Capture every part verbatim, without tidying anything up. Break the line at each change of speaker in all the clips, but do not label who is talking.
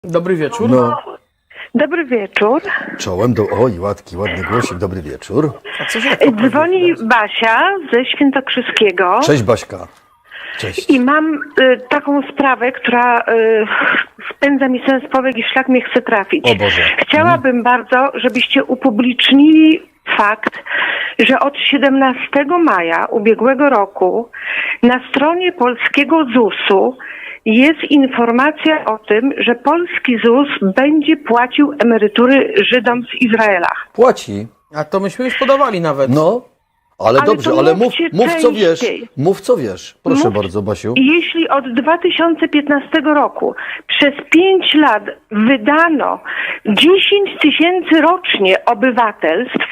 Dobry wieczór.
No,
Dobry wieczór.
czołem do... Oj, ładki, ładny głosik, dobry wieczór.
A co się tak
Dzwoni Basia ze Świętokrzyskiego.
Cześć Baśka. Cześć.
I mam y, taką sprawę, która y, spędza mi sens powiek i szlak mnie chce trafić.
O Boże.
Chciałabym bardzo, żebyście upublicznili fakt, że od siedemnastego maja ubiegłego roku na stronie polskiego zusu jest informacja o tym, że polski ZUS będzie płacił emerytury Żydom z Izraela.
Płaci.
A to myśmy już podawali nawet.
No, ale,
Ale
dobrze,
to
ale mów,
mówcie
mów co wiesz.
częściej.
Mów co wiesz. Proszę
Mów-
bardzo, Basiu.
Jeśli od dwa tysiące piętnastego roku przez pięć lat wydano dziesięć tysięcy rocznie obywatelstw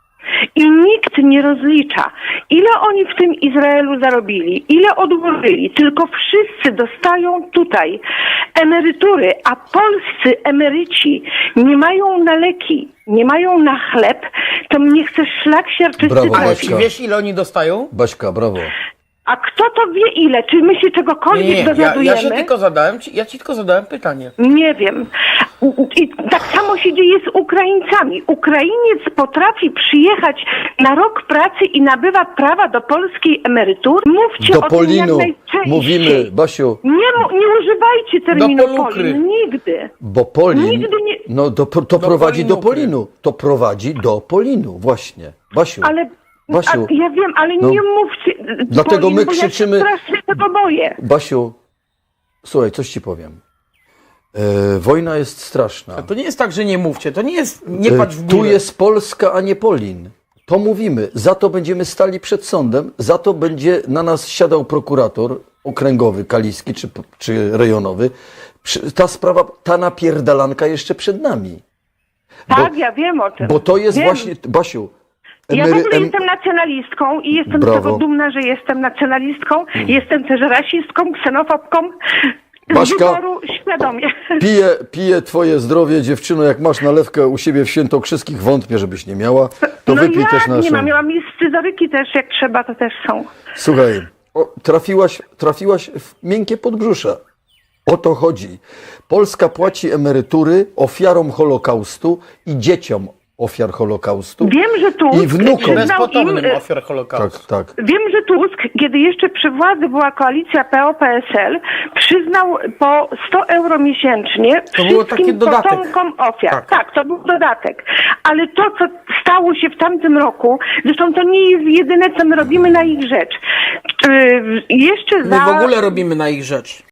i nikt nie rozlicza, ile oni w tym Izraelu zarobili, ile odłożyli, tylko wszyscy dostają tutaj emerytury, a polscy emeryci nie mają na leki, nie mają na chleb, to mnie chce szlak siarczysty
Brawo,
Ale
trafić.
czy wiesz, ile oni dostają?
Baśka, brawo.
A kto to wie ile? Czy my się czegokolwiek
Nie, nie, ja,
dowiadujemy?
ja się tylko zadałem, ci- ja ci tylko zadałem pytanie.
Nie wiem. I tak samo się dzieje z Ukraińcami. Ukrainiec potrafi przyjechać na rok pracy i nabywa prawa do polskiej emerytury. Mówcie
Do
o tym jak
Polinu
najczęściej.
mówimy, Basiu,
Nie, mu- nie używajcie terminu
Do polukry.
Polin. Nigdy.
bo Polin,
Nigdy nie-
no do, to
Do
prowadzi do
Polinukry.
Polinu. To prowadzi do Polinu, właśnie. Basiu,
Ale...
Basiu,
A, ja wiem, ale
no.
nie mówcie
Dlatego
Polin,
my
bo
krzyczymy-
Ja się strasznie tego boję.
Basiu, słuchaj, coś ci powiem. E, wojna jest straszna.
A to nie jest tak, że nie mówcie, to nie jest, nie
E,
patrz w
Tu
górę.
jest Polska, a nie Polin. To mówimy. Za to będziemy stali przed sądem, za to będzie na nas siadał prokurator okręgowy, kaliski czy, czy rejonowy. Przy- Ta sprawa, ta napierdalanka jeszcze przed nami.
Tak, ja wiem o tym.
Bo to jest
Wiem.
właśnie, Basiu,
Ja w
emery-
ogóle
em-
jestem nacjonalistką i jestem
Brawo.
z tego dumna, że jestem nacjonalistką. Jestem też rasistką, ksenofobką. Z
Baśka,
wyboru świadomie.
piję, piję twoje zdrowie, dziewczyno, jak masz nalewkę u siebie w Świętokrzyskich, wątpię, żebyś nie miała, to
no
wypij
jak
też naszą.
nie mam, miałam i scyzoryki też, jak trzeba, to też są.
Słuchaj, o, trafiłaś, trafiłaś w miękkie podbrzusze. O to chodzi. Polska płaci emerytury ofiarom Holokaustu i dzieciom ofiar Holokaustu.
Wiem, że Tusk
I wnukom.
przyznał im,
Bezpotomnym
y,
ofiar Holokaustu.
Tak, tak.
Wiem, że Tusk, kiedy jeszcze przy władzy była koalicja P O P S L, przyznał po sto euro miesięcznie
To było
wszystkim
taki dodatek.
potomkom ofiar.
Tak.
Tak. to był dodatek. Ale to, co stało się w tamtym roku, zresztą to nie jest jedyne, co my robimy na ich rzecz. Yy, jeszcze
My
za...
w ogóle robimy na ich rzecz.